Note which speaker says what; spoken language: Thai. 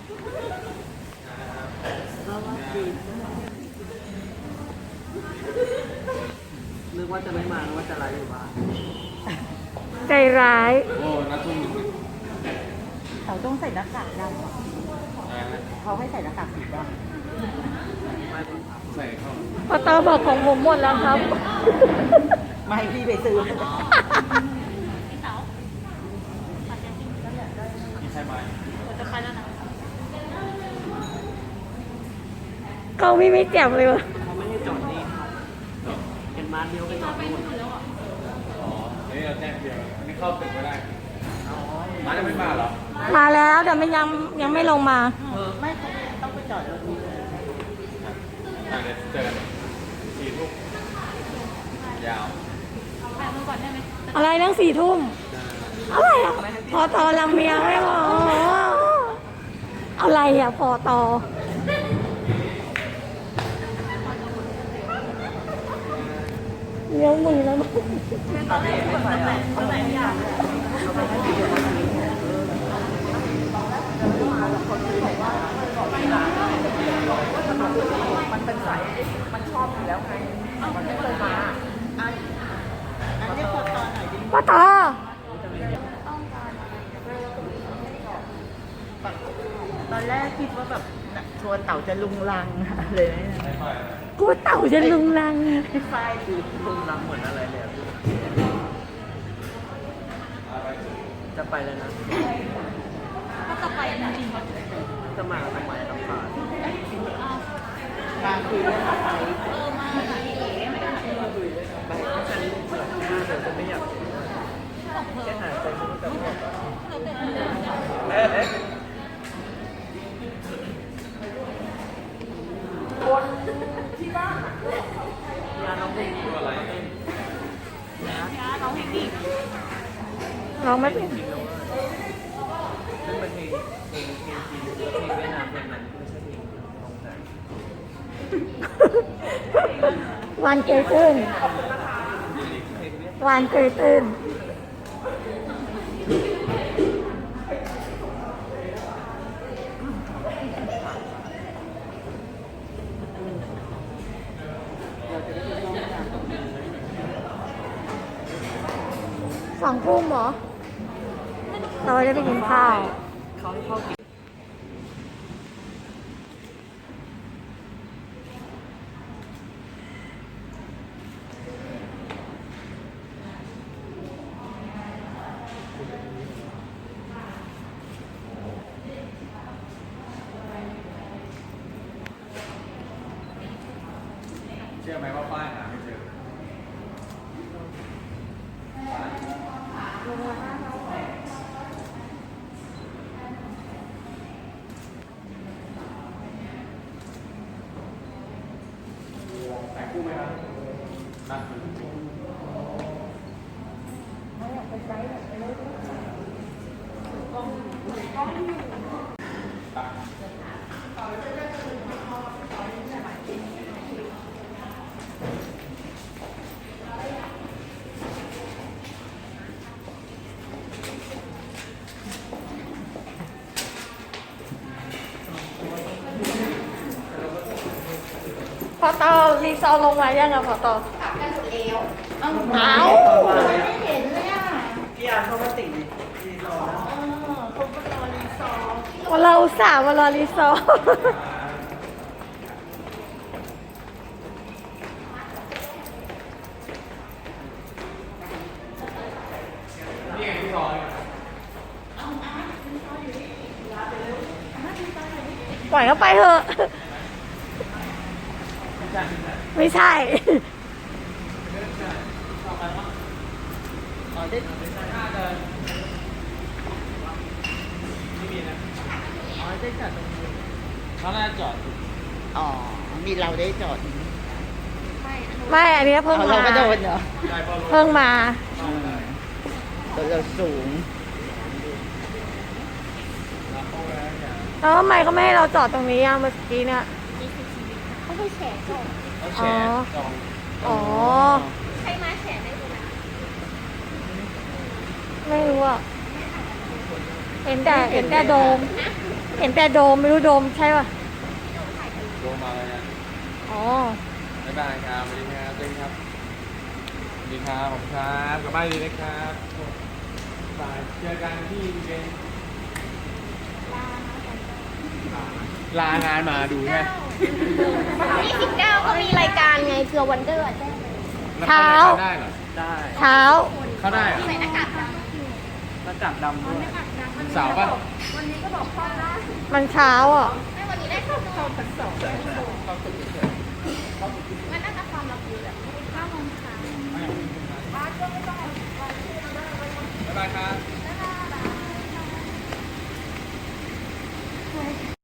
Speaker 1: นึกว่าจะไม่มานึกว่าจะไลฟ์อยู่บ้าน
Speaker 2: ใจร้าย
Speaker 3: โอ้นัดทุ่มหนึ่ง
Speaker 4: เขาต้องใส่หน้ากากดำเขาให้ใส่หน้ากากสีดำ
Speaker 3: ใส่เข้า
Speaker 2: พอตอบอกของผมหมดแล้วครับ
Speaker 4: ไม่ให้พี่ไปซื้อ
Speaker 3: มีใช่ไหม
Speaker 2: เขาไม่แจ่มเลยวะ
Speaker 1: เขาไม่ให้จอดนี่เป็นมาเดียวไปจอดนู่น
Speaker 3: อ๋อนี่เราแจ้งเดียวนี่เข้าตึกไม่ได้มาจะไม่มาเหรอ
Speaker 2: มาแล้วแต่ไม่ยังไม่ลงมา
Speaker 4: ไม่ต้องไปจอดรถนี้เลย
Speaker 3: เดี๋ยวเจอกัน4 ทุ่มยาว
Speaker 2: อะไรนั่ง4 ทุ่มอะไรอ่ะพอตอลำเมียงไม่พออะไรอ่ะพอตอเลี้ยวมือแล้วมั้ง
Speaker 4: มันเป็นสายมันชอบอยู่แล้วไงมันไม่เคยมาอันนี้พอตอนไหนดี
Speaker 2: พอตอ
Speaker 4: ตอนแรกคิดว่าแบบทัวร์เต่าจะลุงลังเลยนะ
Speaker 2: กูเต่าจะลุงลัง
Speaker 4: ไฟดู
Speaker 1: ลุงรังเหมือนอะไรเลยจะไปแล้วนะ
Speaker 2: ก็จะไปจริง
Speaker 1: จะมาทำไมต้องผ่าน
Speaker 4: มาคุยเรื่องอะไร
Speaker 1: ไปฉันเผื่อหน้าเธอจะไม่อยากแค่หายใจมันจะหมดคนที่บ้านงานน้องเพลงดีอะไร
Speaker 2: น้องเพลงดีน้องไม่เป็น
Speaker 1: ซึ่งเป็นเพลงจีนเพลงเวียดนามเพลงนั้นไม่ใช่เพลงของไทย
Speaker 2: วันเกยตื้นวันเกยตื้น2 ทุ่มเหรอเราจะไปกินข้าว
Speaker 1: เขาให้เข้ากิน
Speaker 3: เชื่อไหมว่าป้ายหาไม่เจอแต่คู่ไหมครับนัด
Speaker 2: พอตอรีซอลงมายังอะพอตอ
Speaker 4: กันหมดแล้ว
Speaker 2: เอา
Speaker 4: ไม่เห็นเลยอ่ะ
Speaker 1: พี่อาร์เขามาติดรีสอร์ทแล้ว
Speaker 4: เขาก็รอรีซอร์
Speaker 2: วันเราอุตส่าห์มารอรีซอร์
Speaker 3: นี่ไงที่ซอย
Speaker 2: ปล่อยเขาไปเถอะไม่ใช่
Speaker 1: อ๋อได้น่าจะไม่มีนะอ๋อได้จอดตรงนี้เขาน่าจอด
Speaker 4: อ๋อมีเราได้จอด
Speaker 2: ไม่อันนี้เพิ่งมา
Speaker 4: เราก็โดนเหรอ
Speaker 2: เพิ่งมา
Speaker 4: ตัวเราสูง
Speaker 2: แล้วทำไมเขาไม่ให้เราจอดตรงนี้อ่ะเมื่อกี้เนี่ย
Speaker 4: เขาไปแฉก่อน
Speaker 3: แฉจอง
Speaker 2: อ๋อ
Speaker 4: ใช่ไหมแฉได้เลยนะ
Speaker 2: ไม่รู้อ่ะเห็นแต่โดมเห็นแต่โดมไม่รู้โดมใช่ป่ะ
Speaker 3: โดนมาเลยนะ
Speaker 2: อ๋อ
Speaker 3: บ๊ายบายครับสวัสดีครับเต้นครับสวัสดีครับผมครับกลับบ้านดีนะครับบายเจอกันที่เวนลางานมาดูใช่ไหม
Speaker 5: 29เขามีรายการไงเผื่อวันเดอร์แจ้ง
Speaker 2: เช้า
Speaker 3: ได้เหรอ
Speaker 1: ได้
Speaker 2: เช้า
Speaker 3: เข้าได้เหรอ
Speaker 5: ใส่หน้ากากด
Speaker 1: หน้ากากดำด้วย
Speaker 3: เสาร์ป่ะ
Speaker 2: มันเช้าอ่ะ
Speaker 5: ำไม่วันนี้ได้เข้าชั้น2มันน่าจะความลับอยู่แหละ9 โมงเช้า
Speaker 3: บ๊ายบายครับ
Speaker 5: บ